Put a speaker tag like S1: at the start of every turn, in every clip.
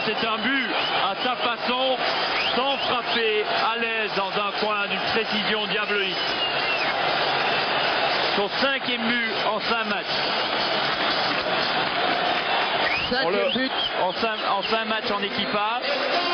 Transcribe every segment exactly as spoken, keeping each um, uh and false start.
S1: c'est un but à sa façon, sans frapper, à l'aise dans un coin d'une précision diabolique. Son cinquième but en cinq matchs.
S2: Cinquième but.
S1: En cinq, en cinq matchs en équipage.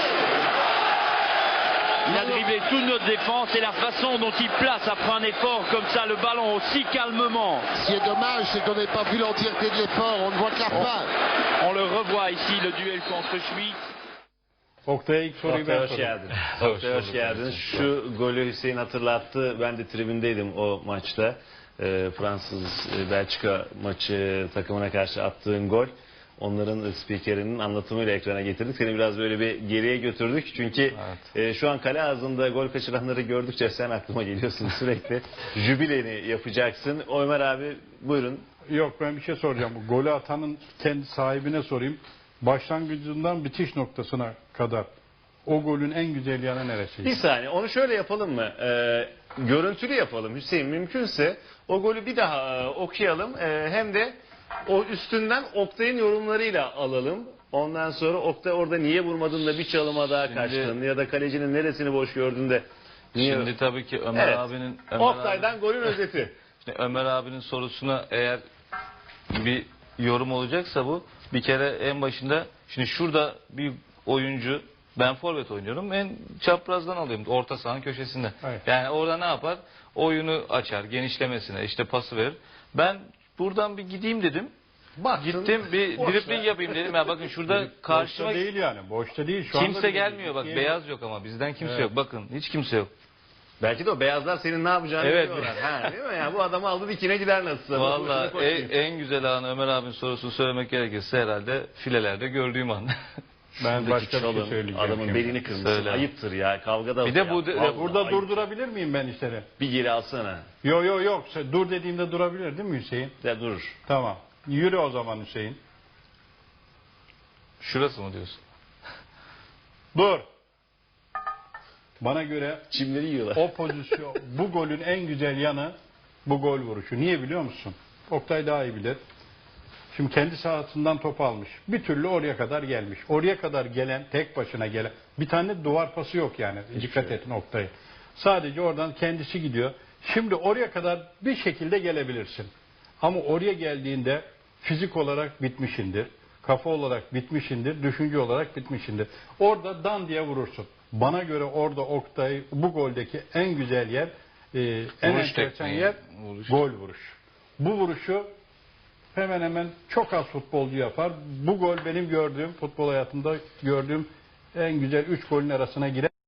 S1: Il a dribblé toute notre défense et la façon dont il place après un effort comme ça le ballon aussi calmement.
S2: Ce qui est dommage, c'est qu'on n'ait pas vu l'entièreté de l'effort, on ne voit que la fin.
S1: On le revoit ici, le duel contre Schmidt.
S3: Oktay'a ilk soruyu ben
S4: Oktay hoş
S3: sorayım.
S4: geldin. Oktay hoş geldin. Şu golü Hüseyin hatırlattı. Ben de tribündeydim o maçta. Ee, Fransız-Belçika maçı takımına karşı attığın gol. Onların spikerinin anlatımıyla ekrana getirdik. Seni biraz böyle bir geriye götürdük. Çünkü
S3: Evet.
S4: e, şu an kale ağzında gol kaçıranları gördükçe sen aklıma geliyorsun sürekli. Jübileni yapacaksın. Ömer abi buyurun.
S3: Yok, ben bir şey soracağım. Bu golü atanın kendi sahibine sorayım. Başlangıcından bitiş noktasına kadar o golün en güzel yanı neresi?
S4: Bir saniye onu şöyle yapalım mı? Ee, görüntülü yapalım Hüseyin, mümkünse o golü bir daha e, okuyalım. E, hem de o üstünden Oktay'ın yorumlarıyla alalım. Ondan sonra Oktay orada niye vurmadın da bir çalıma daha
S5: Şimdi-
S4: kaçtın ya da kalecinin neresini boş gördün de niye...
S5: Şimdi tabii ki Ömer
S4: Evet.
S5: abinin Ömer
S4: Oktay'dan
S5: abi-
S4: golün özeti.
S5: Şimdi Ömer abinin sorusuna eğer bir yorum olacaksa bu bir kere en başında şimdi şurada bir oyuncu, ben forvet oynuyorum, en çaprazdan alıyorum orta sahanın köşesinde.
S3: Evet.
S5: Yani orada ne yapar? Oyunu açar, genişlemesine işte pası verir. Ben buradan bir gideyim dedim.
S4: Baktın,
S5: Gittim bir
S4: boşta.
S5: dribling yapayım dedim. Ya bakın şurada karşıma
S3: Boşta değil yani. Boşta değil. Şu anda
S5: kimse
S3: bile
S5: gelmiyor bak.
S3: değil.
S5: Beyaz yok ama bizden kimse
S3: Evet.
S5: yok. Bakın hiç kimse yok.
S4: Belki de o beyazlar senin ne yapacağını
S5: Evet.
S4: biliyorlar. Ha, değil mi? Yani bu adamı aldı dikine gider nasılsa.
S5: Vallahi
S4: Boşuna koşmayayım.
S5: en, en güzel anı Ömer abinin sorusunu söylemek gerekirse herhalde filelerde gördüğüm an.
S3: Ben
S4: Şuradaki
S3: başka bir şey
S4: çalım,
S3: söyleyeceğim.
S4: adamın
S3: şimdi.
S4: belini kırmışsın.
S5: Söyle.
S4: Ayıptır ya. Kavgada
S5: Bir de
S4: ya.
S5: bu de-
S4: Vallahi
S3: Burada
S4: ayıp.
S3: durdurabilir miyim ben işleri?
S4: Bir geri alsana.
S3: Yok yok yok. Sen dur dediğimde durabilir değil mi Hüseyin?
S4: Ya dur.
S3: Tamam. Yürü o zaman Hüseyin.
S5: Şurası mı diyorsun?
S3: Dur. Bana göre
S4: Çimleri yiyorlar.
S3: o pozisyon, bu golün en güzel yanı bu gol vuruşu. Niye biliyor musun? Oktay daha iyi bilir. Şimdi kendi sahasından top almış. Bir türlü oraya kadar gelmiş. Oraya kadar gelen, tek başına gelen. Bir tane duvar pası yok yani. Dikkat edin Oktay'a. Sadece oradan kendisi gidiyor. Şimdi oraya kadar bir şekilde gelebilirsin. Ama oraya geldiğinde fizik olarak bitmişindir. Kafa olarak bitmişindir. Düşünce olarak bitmişindir. Orada dan diye vurursun. Bana göre orada Oktay bu goldeki en güzel yer, e, en
S5: Vuruş
S3: enteresan
S5: tekniği,
S3: yer
S5: vuruş.
S3: gol vuruş. Bu vuruşu hemen hemen çok az futbolcu yapar. Bu gol benim gördüğüm, futbol hayatımda gördüğüm en güzel üç golün arasına girer.